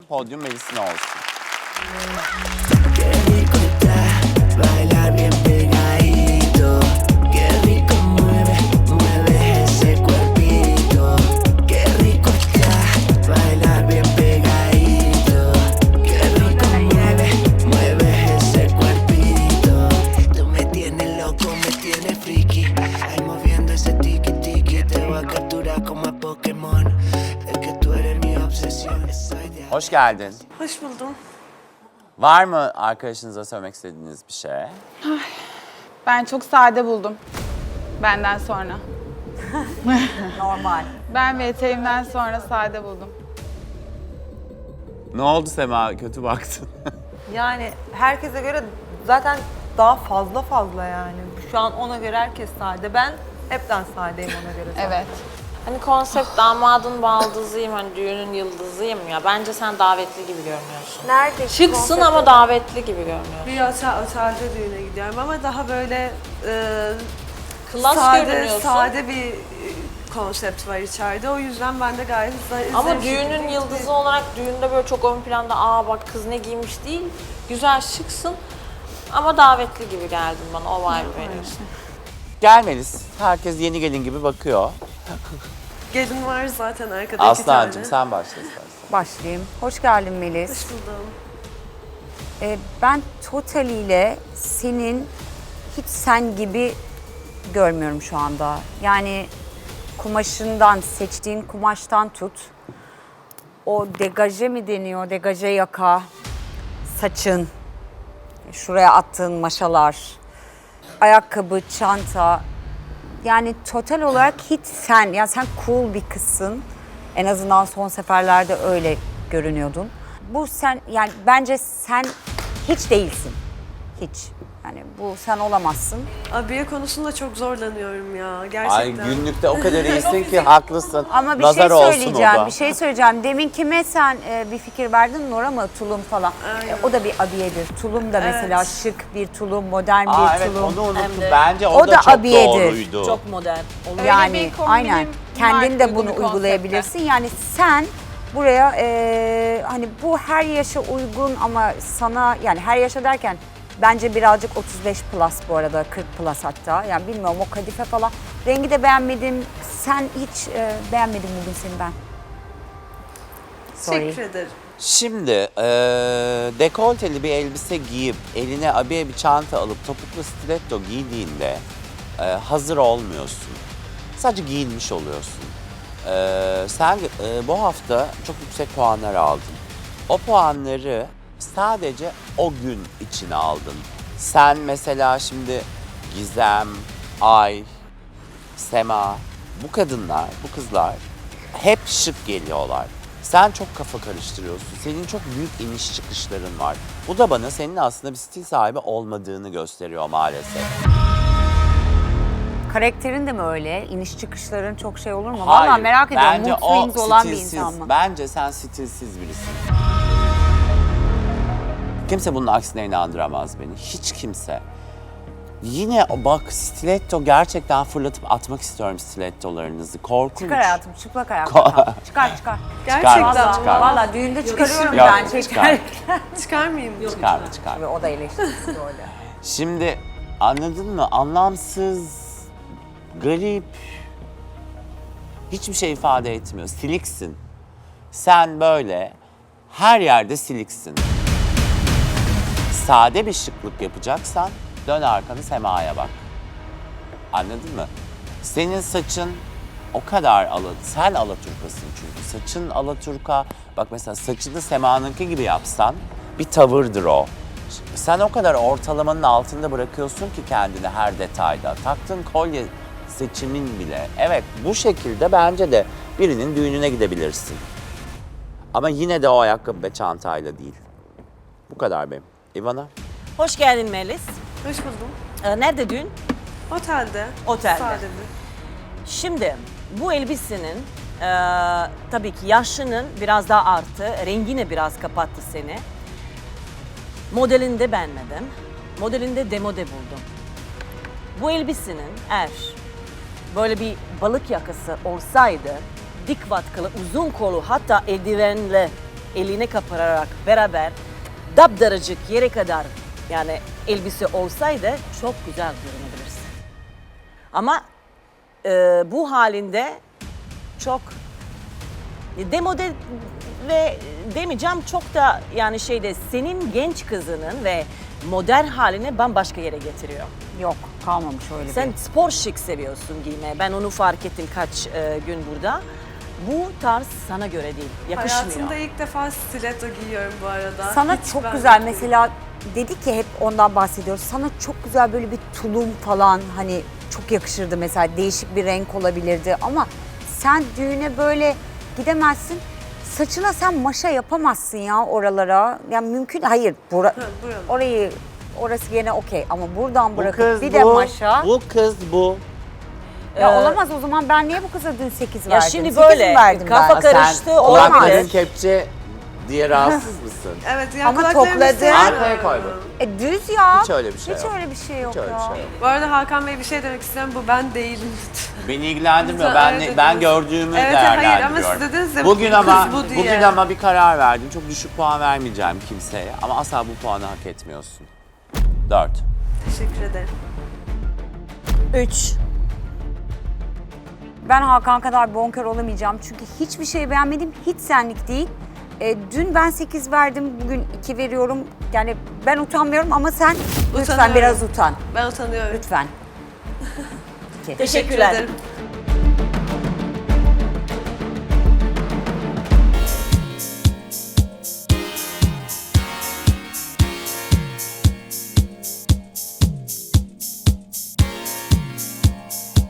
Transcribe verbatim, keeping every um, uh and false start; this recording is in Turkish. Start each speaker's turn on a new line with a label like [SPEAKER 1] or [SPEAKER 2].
[SPEAKER 1] podyum Melis'in olsun.
[SPEAKER 2] Qué rico está bailar bien pegadito. Qué rico mueve, mueve ese cuerpito. Qué rico está bailar bien pegadito. Qué rico mueve, mueve ese cuerpito. Tú me tienes loco, me tienes friki. Ahí moviendo ese tiki tiki. Te voy a capturar como a Pokémon. Es que tú eres mi obsesión. Soy de
[SPEAKER 1] Hoş geldin.
[SPEAKER 3] Hoş buldum.
[SPEAKER 1] Var mı arkadaşınıza söylemek istediğiniz bir şey?
[SPEAKER 4] Ben çok sade buldum. Benden sonra.
[SPEAKER 5] Normal.
[SPEAKER 4] Ben ve eteğimden sonra sade buldum.
[SPEAKER 1] Ne oldu Sema? Kötü baktın.
[SPEAKER 5] Yani herkese göre zaten daha fazla fazla yani. Şu an ona göre herkes sade. Ben hepten sadeyim ona göre. zaten.
[SPEAKER 4] Evet.
[SPEAKER 6] Hani konsept damadın baldızıyım, hani düğünün yıldızıyım ya. Bence sen davetli gibi görünüyorsun.
[SPEAKER 3] Nerede?
[SPEAKER 6] Şıksın ama davetli gibi görünüyorsun.
[SPEAKER 3] Bir otel, otelde düğüne gidiyorum ama daha böyle e,
[SPEAKER 6] Klas
[SPEAKER 3] sade,
[SPEAKER 6] görünüyorsun.
[SPEAKER 3] sade bir e, konsept var içeride. O yüzden ben de gayet za-
[SPEAKER 6] Ama
[SPEAKER 3] zarif
[SPEAKER 6] düğünün
[SPEAKER 3] şekilde
[SPEAKER 6] yıldızı
[SPEAKER 3] gittim.
[SPEAKER 6] olarak düğünde böyle çok ön planda aa bak kız ne giymiş değil. Güzel şıksın ama davetli gibi geldin bana, o vibe veriyorsun.
[SPEAKER 1] Gel Melis. Herkes yeni gelin gibi bakıyor.
[SPEAKER 3] Gelin var zaten arkada iki
[SPEAKER 1] Aslancığım
[SPEAKER 3] tane.
[SPEAKER 1] sen başla istersen.
[SPEAKER 7] Başlayayım. Hoş geldin Melis.
[SPEAKER 3] Hoş buldum.
[SPEAKER 7] Ee, ben totaliyle senin hiç sen gibi görmüyorum şu anda. Yani kumaşından, seçtiğin kumaştan tut. O degaje mi deniyor? Degaje yaka, saçın, şuraya attığın maşalar, ayakkabı, çanta. Yani total olarak hiç sen, yani sen cool bir kızsın. En azından son seferlerde öyle görünüyordun. Bu sen, yani bence sen hiç değilsin. Hiç. Yani bu sen olamazsın.
[SPEAKER 3] Abiye konusunda çok zorlanıyorum ya
[SPEAKER 1] Ay
[SPEAKER 3] gerçekten.
[SPEAKER 1] günlükte o kadar iyisin ki haklısın.
[SPEAKER 7] Ama bir
[SPEAKER 1] Nazar
[SPEAKER 7] şey
[SPEAKER 1] olsun o
[SPEAKER 7] söyleyeceğim,
[SPEAKER 1] da.
[SPEAKER 7] bir şey söyleyeceğim. Demin kime sen e, bir fikir verdin? Nora mı? Tulum falan. E, o da bir abiyedir. Tulum da mesela şık bir tulum, modern bir
[SPEAKER 1] Aa, evet
[SPEAKER 7] tulum.
[SPEAKER 1] onu unuttum.
[SPEAKER 6] Hem de-
[SPEAKER 1] Bence o,
[SPEAKER 7] O
[SPEAKER 1] da,
[SPEAKER 7] da
[SPEAKER 1] çok
[SPEAKER 7] abiyedir.
[SPEAKER 1] doğruydu.
[SPEAKER 6] Çok modern.
[SPEAKER 4] Öyle
[SPEAKER 7] Yani
[SPEAKER 4] bir kombinim
[SPEAKER 7] aynen.
[SPEAKER 4] var,
[SPEAKER 7] Kendin de
[SPEAKER 4] uygun
[SPEAKER 7] bunu
[SPEAKER 4] bir konsepte.
[SPEAKER 7] uygulayabilirsin. Yani sen buraya e, hani bu her yaşa uygun ama sana, yani her yaşa derken bence birazcık otuz beş plus bu arada, kırk plus hatta. Yani bilmiyorum, o kadife falan. Rengi de beğenmedim. Sen hiç e, beğenmedim bugün seni ben. Sorry.
[SPEAKER 3] Teşekkür ederim.
[SPEAKER 1] Şimdi eee dekolteli bir elbise giyip eline abiye bir çanta alıp topuklu stiletto giydiğinde eee, hazır olmuyorsun. Sadece giyinmiş oluyorsun. Eee, sen eee, bu hafta çok yüksek puanlar aldın. O puanları sadece o gün içine aldın. Sen mesela şimdi Gizem, Ay, Sema, bu kadınlar, bu kızlar hep şık geliyorlar. Sen çok kafa karıştırıyorsun. Senin çok büyük iniş çıkışların var. Bu da bana senin aslında bir stil sahibi olmadığını gösteriyor maalesef.
[SPEAKER 7] Karakterin de mi öyle? İniş çıkışların çok şey olur mu?
[SPEAKER 1] Hayır,
[SPEAKER 7] Vallahi merak ediyorum.
[SPEAKER 1] bence
[SPEAKER 7] Mood
[SPEAKER 1] o
[SPEAKER 7] swings olan bir
[SPEAKER 1] stilsiz.
[SPEAKER 7] insan mı?
[SPEAKER 1] Bence sen stilsiz birisin. Kimse bunun aksine inandıramaz beni. Hiç kimse. Yine o bak stiletto, gerçekten fırlatıp atmak istiyorum stilettolarınızı. Korkunç.
[SPEAKER 7] Çıkar hayatım, çıplak ayakta. Çıkar çıkar.
[SPEAKER 3] Gerçekten
[SPEAKER 1] Çıkarma,
[SPEAKER 3] mi?
[SPEAKER 1] çıkarma.
[SPEAKER 7] Vallahi düğünde çıkarıyorum
[SPEAKER 1] Yok,
[SPEAKER 7] ben.
[SPEAKER 1] çıkar.
[SPEAKER 7] Çıkar.
[SPEAKER 3] Çıkarmayayım mı?
[SPEAKER 1] Çıkar, çıkar.
[SPEAKER 7] O da eleştirisi öyle.
[SPEAKER 1] Şimdi anladın mı? Anlamsız, garip, hiçbir şey ifade etmiyor. Siliksin. Sen böyle her yerde siliksin. Sade bir şıklık yapacaksan dön arkanı Sema'ya bak. Anladın mı? Senin saçın o kadar ala, sen alaturkasın çünkü. Saçın alaturka. Bak mesela saçını Sema'nınki gibi yapsan bir tavırdır o. Sen o kadar ortalamanın altında bırakıyorsun ki kendini her detayda. Taktığın kolye seçimin bile. Evet, bu şekilde bence de birinin düğününe gidebilirsin. Ama yine de o ayakkabı ve çantayla değil. Bu kadar benim. İvana?
[SPEAKER 8] Hoş geldin Melis.
[SPEAKER 3] Hoş buldum.
[SPEAKER 8] Ee, nerede düğün?
[SPEAKER 3] Otelde.
[SPEAKER 8] Otelde.
[SPEAKER 3] Sade mi?
[SPEAKER 8] Şimdi bu elbisenin e, tabii ki yaşının biraz daha arttı. Rengini biraz kapattı seni. Modelini de beğenmedim. Modelinde demode buldum. Bu elbisenin eğer böyle bir balık yakası olsaydı, dik vatkalı, uzun kolu, hatta eldivenle eline kapararak beraber dapdaracık yere kadar yani elbise olsaydı çok güzel görünebilirsin. Ama e, bu halinde çok demode ve demeyeceğim çok da yani şeyde senin genç kızının ve modern halini bambaşka yere getiriyor.
[SPEAKER 7] Yok, kalmamış öyle
[SPEAKER 8] Sen
[SPEAKER 7] bir.
[SPEAKER 8] spor şık seviyorsun giyme. Ben onu fark ettim kaç e, gün burada. Bu tarz sana göre değil, yakışmıyor.
[SPEAKER 3] Hayatımda ilk defa stiletto giyiyorum bu arada.
[SPEAKER 7] Sana
[SPEAKER 3] Hiç
[SPEAKER 7] çok
[SPEAKER 3] benlik
[SPEAKER 7] güzel
[SPEAKER 3] değil.
[SPEAKER 7] mesela dedik ki hep ondan bahsediyoruz. Sana çok güzel böyle bir tulum falan hani çok yakışırdı mesela değişik bir renk olabilirdi ama sen düğüne böyle gidemezsin. Saçına sen maşa yapamazsın ya oralara. Yani mümkün hayır. Bura,
[SPEAKER 3] buralar.
[SPEAKER 7] orayı orası gene okey ama buradan
[SPEAKER 1] Bu
[SPEAKER 7] bırakıp
[SPEAKER 1] kız
[SPEAKER 7] bir
[SPEAKER 1] bu.
[SPEAKER 7] de maşa.
[SPEAKER 1] Bu kız bu.
[SPEAKER 7] Ya
[SPEAKER 8] Ee,
[SPEAKER 7] olamaz o zaman ben niye bu kıza dün sekiz
[SPEAKER 8] Ya
[SPEAKER 7] verdim?
[SPEAKER 8] şimdi
[SPEAKER 7] Sekiz
[SPEAKER 8] böyle,
[SPEAKER 7] verdim
[SPEAKER 8] kafa
[SPEAKER 7] ben.
[SPEAKER 8] karıştı. Karıştı,
[SPEAKER 1] Sen
[SPEAKER 8] olamaz.
[SPEAKER 1] kulakların kepçe diye rahatsız mısın?
[SPEAKER 3] Evet yani
[SPEAKER 7] Ama
[SPEAKER 3] kulaklarımı
[SPEAKER 7] topladı.
[SPEAKER 3] sevmiyorum.
[SPEAKER 1] Arkaya koy bak.
[SPEAKER 7] E düz ya.
[SPEAKER 1] Hiç öyle bir şey
[SPEAKER 7] Hiç
[SPEAKER 1] yok.
[SPEAKER 7] öyle bir şey yok
[SPEAKER 1] Hiç öyle
[SPEAKER 7] ya.
[SPEAKER 1] bir şey yok.
[SPEAKER 3] Bu arada Hakan Bey bir şey demek istiyorum. Bu ben değilim.
[SPEAKER 1] Beni ilgilendirmiyor.
[SPEAKER 3] Lütfen
[SPEAKER 1] Ben
[SPEAKER 3] öyle
[SPEAKER 1] ben
[SPEAKER 3] dediniz.
[SPEAKER 1] gördüğümü
[SPEAKER 3] Evet, hayır ama
[SPEAKER 1] değerlendiriyorum.
[SPEAKER 3] siz dediniz ya,
[SPEAKER 1] bugün
[SPEAKER 3] bu
[SPEAKER 1] ama
[SPEAKER 3] kız bu diye.
[SPEAKER 1] bugün ama bir karar verdim. Çok düşük puan vermeyeceğim kimseye ama asla bu puanı hak etmiyorsun. Dört.
[SPEAKER 3] Teşekkür ederim.
[SPEAKER 8] Üç.
[SPEAKER 7] Ben Hakan kadar bonkör olamayacağım çünkü hiçbir şey beğenmedim, hiç senlik değil. E, dün ben sekiz verdim, bugün iki veriyorum. Yani ben utanmıyorum ama sen lütfen
[SPEAKER 3] Utanıyorum.
[SPEAKER 7] biraz utan.
[SPEAKER 3] Ben utanıyorum.
[SPEAKER 7] Lütfen. İki.
[SPEAKER 8] Teşekkürler.
[SPEAKER 3] ederim.